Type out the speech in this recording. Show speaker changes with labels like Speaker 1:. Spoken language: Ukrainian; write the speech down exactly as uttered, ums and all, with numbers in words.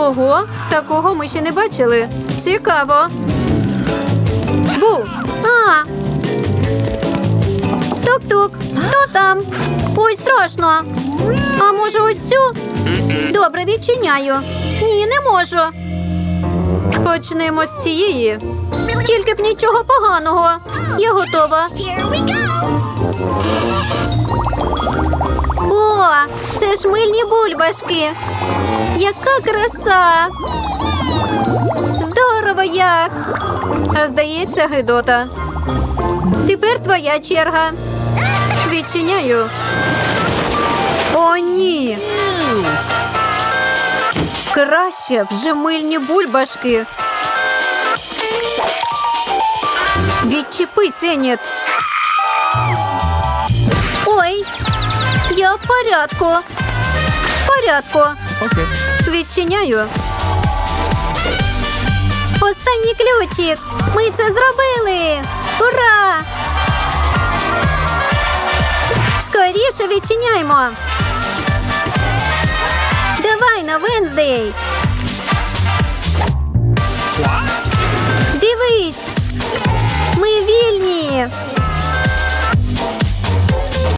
Speaker 1: Ого, такого ми ще не бачили. Цікаво. Бу! А! Тук-тук! Хто там? Ой, страшно. А може ось цю? Добре, відчиняю. Ні, не можу. Почнемо з цієї. Тільки б нічого поганого. Я готова. О, це ж мильні бульбашки. Яка краса. Здорово як. А здається, гидота. Тепер твоя черга. Відчиняю. О, ні. Краще вже мильні бульбашки. Відчепись, Еніт. Ой, я в порядку. В порядку.
Speaker 2: Окей.
Speaker 1: Відчиняю. Останній ключик. Ми це зробили. Ура! Скоріше відчиняймо. Давай на Венздей. Дивись. Ми вільні.